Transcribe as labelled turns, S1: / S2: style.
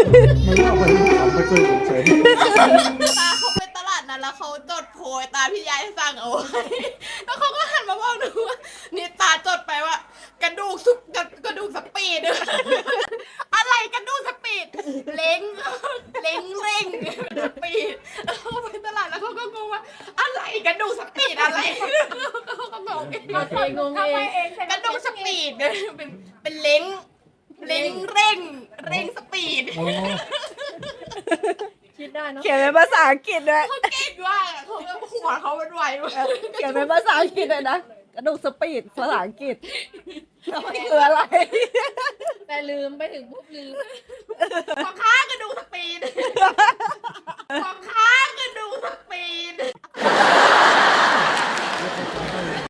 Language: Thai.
S1: มันเล่าไปขำไปเคยสงสัย
S2: ตาเขาไปตลาดนั้นแล้วเขาจดโพยตามที่ยายสั่งเอาไว้แล้วเขาก็หันมาบอกหนูว่านี่ตาจดไปว่ากระดูกสุกกระดูกสปีดอะไรกระดูกสปีดเล้งเล้งเร่งสปีดเขาไปตลาดแล้วเขาก็งงว่าอะไรกระดูกสปีดอะไรเขาก็งงเอง
S3: งงเอง
S2: กระดูกสปีดเป็นเล้งเล้งเร่งเร่งสปีด
S3: คิดได้เนาะ
S4: เขียนเป็นภาษาอังกฤษด้วย
S2: เขาเก่งมากอะเขาแบบหัวเขาเป็นไวมาก
S4: เขียนเป็นภาษาอังกฤษเลยนะกระดูกสปีดภาษาอังกฤษแล้วมันคืออะไร
S3: แต่ลืมไปถึงปุ๊บลืม
S2: ของข้างกระดูกสปีดของข้างกระดูกสปีด